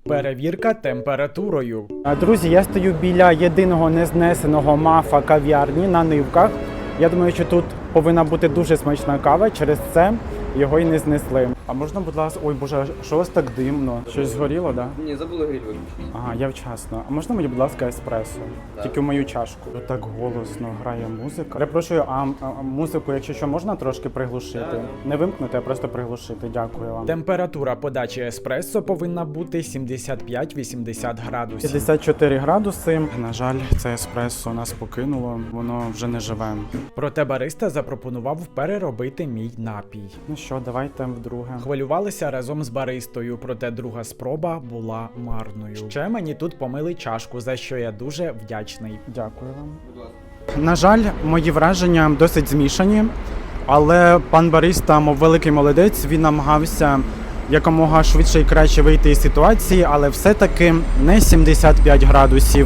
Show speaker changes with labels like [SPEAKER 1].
[SPEAKER 1] Перевірка температурою.
[SPEAKER 2] Друзі, я стою біля єдиного незнесеного мафа кав'ярні на Нивках. Я думаю, що тут повинна бути дуже смачна кава, через це його і не знесли. А можна, будь ласка, ой боже, що у вас так димно? Щось згоріло, так? Да?
[SPEAKER 3] Ні, забули гриль виключити.
[SPEAKER 2] Ага, я вчасно. А можна мені, будь ласка, еспресо?
[SPEAKER 3] Так.
[SPEAKER 2] Тільки в мою чашку. Так голосно грає музика. Перепрошую, а музику, якщо що, можна трошки приглушити?
[SPEAKER 3] Так.
[SPEAKER 2] Не вимкнути, а просто приглушити. Дякую вам.
[SPEAKER 1] Температура подачі еспресо повинна бути 75-80 градусів.
[SPEAKER 2] 54 градуси. На жаль, це еспресо нас покинуло, воно вже не живе.
[SPEAKER 1] Проте бариста запропонував переробити мій напій.
[SPEAKER 2] Ну що, давайте вдруге.
[SPEAKER 1] Хвилювалися разом з баристою, проте друга спроба була марною. Ще мені тут помили чашку, за що я дуже вдячний.
[SPEAKER 2] Дякую вам.
[SPEAKER 3] Будь ласка.
[SPEAKER 2] На жаль, мої враження досить змішані, але пан бариста, мов великий молодець, він намагався якомога швидше і краще вийти із ситуації, але все-таки не 75 градусів.